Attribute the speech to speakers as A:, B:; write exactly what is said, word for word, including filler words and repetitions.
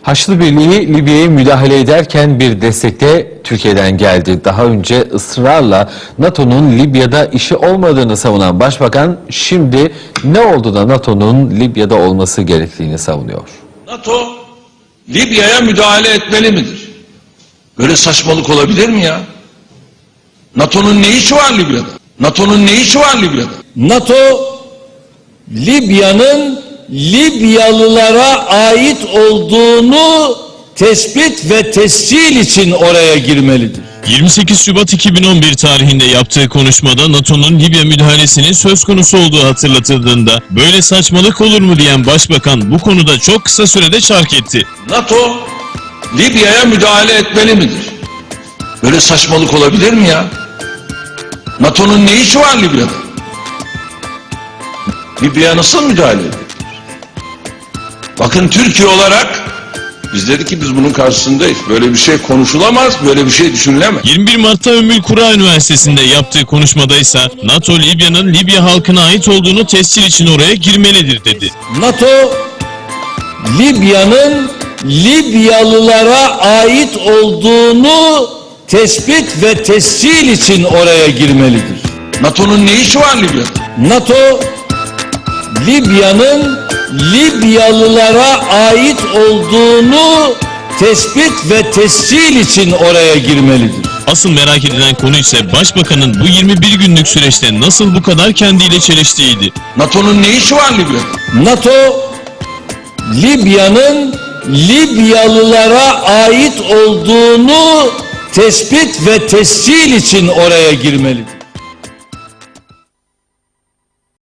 A: Haçlı Birliği Libya'ya müdahale ederken bir destek de Türkiye'den geldi. Daha önce ısrarla NATO'nun Libya'da işi olmadığını savunan Başbakan şimdi ne oldu da NATO'nun Libya'da olması gerektiğini savunuyor.
B: NATO Libya'ya müdahale etmeli midir? Böyle saçmalık olabilir mi ya? NATO'nun ne işi var Libya'da? NATO'nun ne işi var Libya'da?
C: NATO Libya'nın Libyalılara ait olduğunu tespit ve tescil için oraya girmelidir.
D: yirmi sekiz Şubat iki bin on bir tarihinde yaptığı konuşmada NATO'nun Libya müdahalesinin söz konusu olduğu hatırlatıldığında böyle saçmalık olur mu diyen Başbakan bu konuda çok kısa sürede şark etti.
B: NATO Libya'ya müdahale etmeli midir? Böyle saçmalık olabilir mi ya? NATO'nun ne işi var Libya'da? Libya'ya nasıl müdahale edilir? Bakın Türkiye olarak biz dedik ki biz bunun karşısındayız. Böyle bir şey konuşulamaz, böyle bir şey düşünülemez.
D: yirmi bir Mart'ta Ümmül Kura Üniversitesi'nde yaptığı konuşmada ise NATO Libya'nın Libya halkına ait olduğunu tescil için oraya girmelidir dedi.
C: NATO Libya'nın Libyalılara ait olduğunu tespit ve tescil için oraya girmelidir.
B: NATO'nun ne işi var Libya'da?
C: NATO Libya'nın Libyalılara ait olduğunu tespit ve tescil için oraya girmelidir.
D: Asıl merak edilen konu ise Başbakanın bu yirmi bir günlük süreçte nasıl bu kadar kendiyle çeliştiğiydi.
B: NATO'nun ne işi var Libya'da?
C: NATO Libya'nın Libyalılara ait olduğunu tespit ve tescil için oraya girmelidir.